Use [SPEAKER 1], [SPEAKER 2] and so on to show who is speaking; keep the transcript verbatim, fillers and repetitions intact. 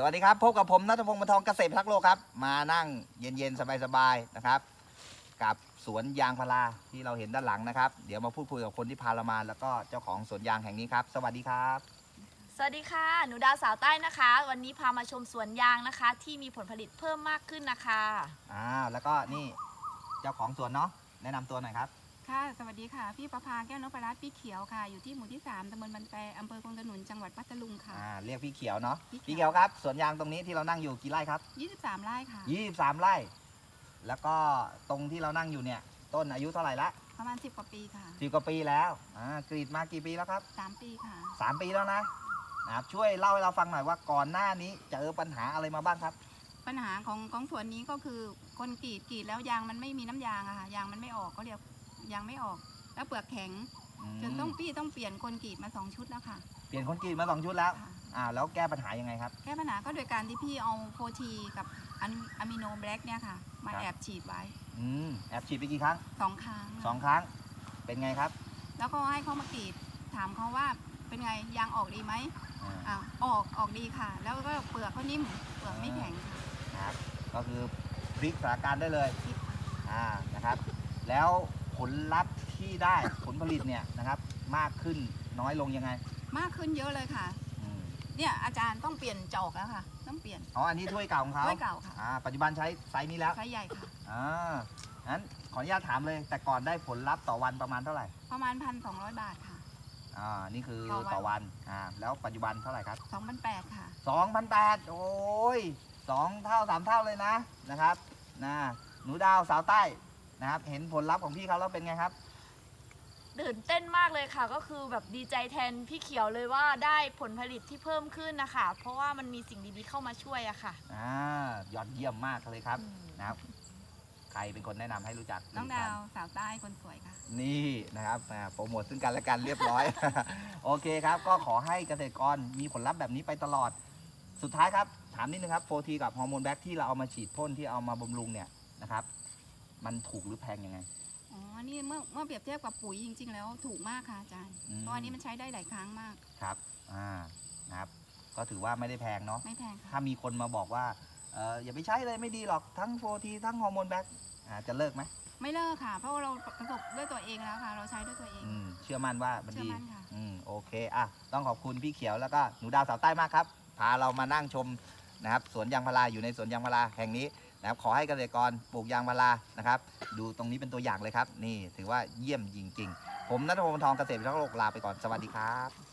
[SPEAKER 1] วัสดีครับพบกับผมณัฐพงศ์ บรรทองเกษตรพิทักษ์โลกครับมานั่งเย็นๆสบายๆนะครับกับสวนยางพาราที่เราเห็นด้านหลังนะครับเดี๋ยวมาพูดคุยกับคนที่พาเรามาแล้วก็เจ้าของสวนยางแห่งนี้ครับสวัสดีครับ
[SPEAKER 2] สวัสดีค่ะหนูดาวสาวใต้นะคะวันนี้พามาชมสวนยางนะคะที่มีผลผลิตเพิ่มมากขึ้นนะคะ
[SPEAKER 1] อ่าแล้วก็นี่เจ้าของสวนเนาะแนะนำตัวหน่อยครับ
[SPEAKER 3] ค่ะสวัสดีค่ะพี่ประภาแก้วนพรัตน์พี่เขียวค่ะอยู่ที่หมู่ที่สามตำบลบันแปอำเภอคงขนุนจังหวัดพัทลุงค่ะ
[SPEAKER 1] อ่าเรียกพี่เขียวเนาะ
[SPEAKER 3] พี่เขียว
[SPEAKER 1] พี่เขียวครับสวนยางตรงนี้ที่เรานั่งอยู่กี่ไร่ครับ
[SPEAKER 3] ยี่สิบสามไร่ค่ะ
[SPEAKER 1] ยี่สิบสามไร่แล้วก็ตรงที่เรานั่งอยู่เนี่ยต้นอายุเท่าไหร่ละ
[SPEAKER 3] ประมาณสิบกว่าปีค่ะ
[SPEAKER 1] สิบกว่าปีแล้วอ่ากรีดมากี่ปีแล้วครับ
[SPEAKER 3] สามปีค่ะ
[SPEAKER 1] สามปีแล้วนะนะครับช่วยเล่าให้เราฟังหน่อยว่าก่อนหน้านี้เจอปัญหาอะไรมาบ้างครับ
[SPEAKER 3] ปัญหาของของสวนนี้ก็คือคนกรีดกรีดแล้วยางมันไม่มีน้ำยางอะค่ะยางมันไม่ออกเขาเรียกยางไม่ออกแล้วเปลือกแข็งจนต้องพี่ต้องเปลี่ยนคนกรีดมาสองชุดแล้วค่ะ
[SPEAKER 1] เปลี่ยนคนกรีดมาสองชุดแล้วอ่าแล้วแก้ปัญหายังไงครับ
[SPEAKER 3] แก้ปัญหาก็โดยการที่พี่เอาโฟทีกับอะมิโนแบล็กเนี่ยค่ะมาแอบฉีดไว้
[SPEAKER 1] อืมแอบฉีดไปกี่ครั้ง
[SPEAKER 3] สองครั้ง
[SPEAKER 1] สองครั้งเป็นไงครับ
[SPEAKER 3] แล้วก็ให้เขามากรีดถามเขาว่าเป็นไงยางออกดีไหมอ่าออกออกดีค่ะแล้วก็เปลือกก็นิ่มเปลือกไม่แข็ง
[SPEAKER 1] ค่ะครับก็คือพลิกสถานการณ์ได้เลยอ่านะครับแล้วผลลัพธ์ที่ได้ผลผลิตเนี่ยนะครับมากขึ้นน้อยลงยังไง
[SPEAKER 3] มากขึ้นเยอะเลยค่ะเนี่ยอาจารย์ต้องเปลี่ยนจอกแล้วค่ะต้องเปลี่ยน
[SPEAKER 1] อ๋ออันนี้ถ้วยเก่าของเขา
[SPEAKER 3] ถ้วยเก่าค่ะ
[SPEAKER 1] อ่าปัจจุบันใช้ไซส์นี้แล้ว
[SPEAKER 3] ไซส์ใหญ่ค่ะ
[SPEAKER 1] อ่างั้นขออนุญาตถามเลยแต่ก่อนได้ผลลัพธ์ต่อวันประมาณเท่าไหร่
[SPEAKER 3] ประมาณพันสองร้อยบาทค่ะ
[SPEAKER 1] อ่านี่คือต่อวันอ่าแล้วปัจจุบันเท่าไหร่ครับ
[SPEAKER 3] สองพันแปดค่ะ
[SPEAKER 1] สองพันแปดโอ้ยสองเท่าสามเท่าเลยนะนะครับนะหนูดาวสาวใต้นะครับเห็นผลลัพธ์ของพี่เขาแล้วเป็นไงครับ
[SPEAKER 2] ตื่นเต้นมากเลยค่ะก็คือแบบดีใจแทนพี่เขียวเลยว่าได้ผลผลิตที่เพิ่มขึ้นนะคะเพราะว่ามันมีสิ่งดีๆเข้ามาช่วยอะค่ะ
[SPEAKER 1] อ่ายอดเยี่ยมมากเลยครับนะครับใครเป็นคนแนะนำให้รู้จัก
[SPEAKER 3] น้องดาวสาวใต้คนสวยค่ะ
[SPEAKER 1] นี่นะครับโปรโมทซึ่งกันและกันเรียบร้อย โอเคครับก็ขอให้เกษตรกรมีผลลัพธ์แบบนี้ไปตลอดสุดท้ายครับถามนิดนึงครับโฟทีกับฮอร์โมนแบ็กที่เราเอามาฉีดพ่นที่เอามาบำรุงเนี่ยนะครับมันถูกหรือแพงยังไง
[SPEAKER 3] อ๋อนี่เมื่อเมื่อเปรียบเทียบกับปุ๋ยจริงๆแล้วถูกมากค่ะอาจารย์เพราะอันนี้มันใช้ได้หลายครั้งมาก
[SPEAKER 1] ครับอ่านะครับก็ถือว่าไม่ได้แพงเนาะ
[SPEAKER 3] ไม่แพงค่ะ
[SPEAKER 1] ถ้ามีคนมาบอกว่าเอออย่าไปใช้เลยไม่ดีหรอกทั้งโฟทีทั้งฮอร์โมนแบ็กจะเลิกไหม
[SPEAKER 3] ไม่เลิกค่ะเพราะเราประสบด้วยตัวเองแล้วค่ะเราใช้ด้วยตัวเอง
[SPEAKER 1] เชื่อมั่นว่ามันดี
[SPEAKER 3] เชื่อมั่นค่ะ
[SPEAKER 1] อืมโอเคอ่ะต้องขอบคุณพี่เขียวแล้วก็หนูดาวสาวใต้มากครับพาเรามานั่งชมนะครับสวนยางพาราอยู่ในสวนยางพาราแห่งนี้นะครับขอให้เกษตรกรปลูกยางพารานะครับดูตรงนี้เป็นตัวอย่างเลยครับนี่ถือว่าเยี่ยมจริงๆผมณัฐพงศ์ ทองเกษตรพิทักษ์โลกลาไปก่อนสวัสดีครับ